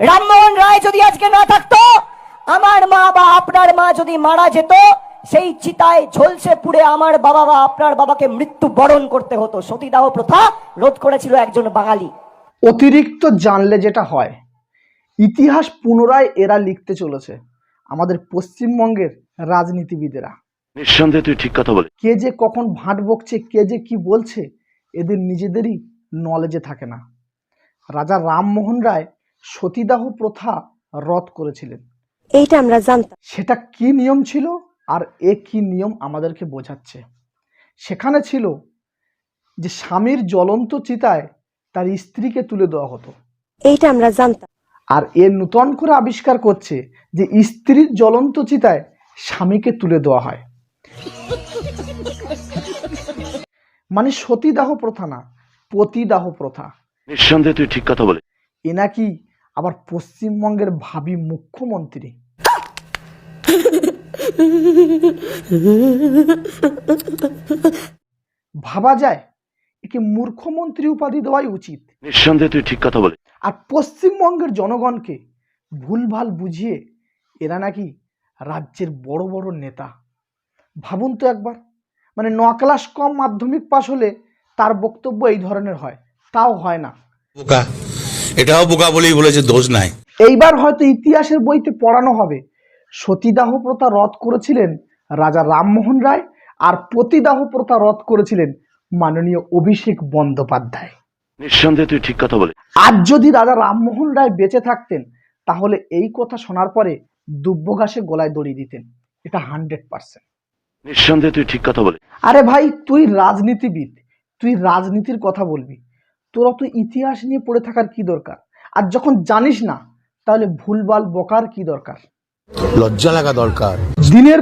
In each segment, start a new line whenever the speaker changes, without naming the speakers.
রামমোহন রায় যদি আজকে না থাকতো, আমার মা বা আপনার মা যদি মারা যেত, সেই চিতায় ঝলসে পুড়ে আমার বাবা বা আপনার বাবাকে মৃত্যু বরণ করতে হতো। সতীদাহ প্রথা রোধ করেছিল একজন বাঙালি।
অতিরিক্ত জানলে যেটা হয়, ইতিহাস পুনরায় এরা লিখতে চলেছে, আমাদের পশ্চিমবঙ্গের রাজনীতিবিদেরা।
নিঃসন্দেহে তুই ঠিক কথা বলে।
কে যে কখন ভাট বকছে, কে যে কি বলছে, এদের নিজেদেরই নলেজে থাকে না। রাজা রামমোহন রায় সতীদাহ প্রথা রদ করেছিলেন,
এইটা আমরা জানতাম।
সেটা কি নিয়ম ছিল আর এ কি নিয়ম আমাদেরকে বোঝাচ্ছে। সেখানে ছিল যে স্বামীর জ্বলন্ত চিতায় তার স্ত্রীকে তুলে দেওয়া হতো,
এইটা আমরা জানতাম।
আর এ নূতন করে আবিষ্কার করছে যে স্ত্রীর জ্বলন্ত চিতায় স্বামীকে তুলে দেওয়া হয়। মানে সতীদাহ প্রথা না, পতিদাহ প্রথা।
নিঃসন্দেহে তুই ঠিক কথা বলে।
এ নাকি আবার পশ্চিমবঙ্গের ভাবী মুখ্যমন্ত্রী। ভাবা যায় একে মূর্খমন্ত্রী উপাধি দেওয়াই উচিত।
নিঃসন্দেহে তুই ঠিক কথা বলে।
আর পশ্চিমবঙ্গের জনগণকে ভুলভাল বুঝিয়ে এরা নাকি রাজ্যের বড় বড় নেতা। ভাবুন তো একবার, মানে 9 ক্লাস কম মাধ্যমিক পাশ হলে তার বক্তব্য এই ধরনের হয়, তাও হয় না।
বোকা, এটাও বোকা বলেই বলেছে, দোষ নাই।
এইবার হয়তো ইতিহাসের বইতে পড়ানো হবে সতীদাহ প্রথা রদ করেছিলেন রাজা রামমোহন রায়, আর পতিদাহ প্রথা রদ করেছিলেন মাননীয় অভিষেক বন্দ্যোপাধ্যায়।
নিঃসন্দেহে তুই ঠিক কথা বলে।
আজ যদি রাজা রামমোহন রায় বেঁচে থাকতেন, তাহলে এই কথা শোনার পরে দুব্য ঘাসে গলায় দড়ি দিতেন, এটা 100%।
নিঃসন্দেহে তুই ঠিক কথা বলে।
আরে ভাই, তুই রাজনীতিবিদ, তুই রাজনীতির কথা বলবি, তোর অত ইতিহাস নিয়ে পড়ে থাকার কি দরকার? আর যখন জানিস না, তাহলে ভুলভাল বকার কি দরকার?
লজ্জা লাগা দরকার।
দিনের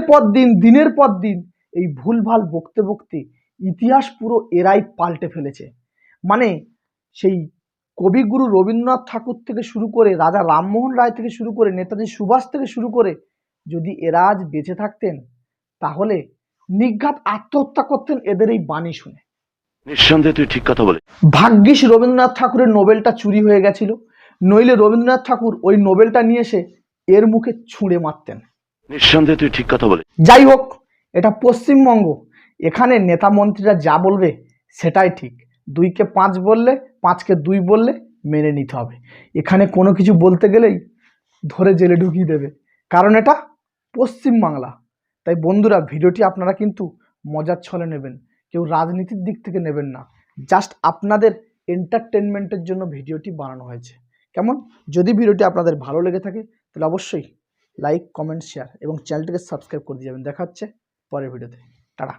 পর দিন এই ভুলভাল বকতে বকতে ইতিহাস পুরো এরাই পাল্টে ফেলেছে। মানে সেই কবিগুরু রবীন্দ্রনাথ ঠাকুর থেকে শুরু করে, রাজা রামমোহন রায় থেকে শুরু করে, নেতাজি সুভাষ থেকে শুরু করে, যদি এরা আজ বেঁচে থাকতেন, তাহলে নির্ঘাত আত্মহত্যা করতেন এদের এই বাণী শুনে।
নিঃসন্দেহে তুই ঠিক কথা বলে।
ভাগ্যিস রবীন্দ্রনাথ ঠাকুরের নোবেলটা চুরি হয়ে গেছিল, নইলে রবীন্দ্রনাথ ঠাকুর ওই নোবেলটা নিয়ে এসে এর মুখে ছুঁড়ে মারতেন।
নিঃসন্দেহে তুই ঠিক কথা বলে।
যাই হোক, এটা পশ্চিমবঙ্গ, এখানে নেতা মন্ত্রীরা যা বলবে সেটাই ঠিক। 2কে 5 বললে, 5কে 2 বললে মেনে নিতে হবে। এখানে কোনো কিছু বলতে গেলেই ধরে জেলে ঢুকিয়ে দেবে, কারণ এটা পশ্চিমবাংলা। তাই বন্ধুরা, ভিডিওটি আপনারা কিন্তু মজার ছলে নেবেন, কেউ রাজনীতির দিক থেকে নেবেন না। জাস্ট আপনাদের এন্টারটেনমেন্টের জন্য ভিডিওটি বানানো হয়েছে। কেমন? যদি ভিডিওটি আপনাদের ভালো লেগে থাকে তাহলে অবশ্যই লাইক, কমেন্ট, শেয়ার এবং চ্যানেলটিকে সাবস্ক্রাইব করে দিয়ে যাবেন। দেখা হচ্ছে পরের ভিডিওতে। Tata.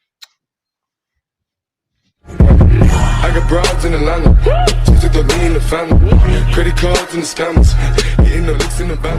I got broads in Atlanta, just to throw me in the family. Credit cards and the scammers, hitting the licks in the bank.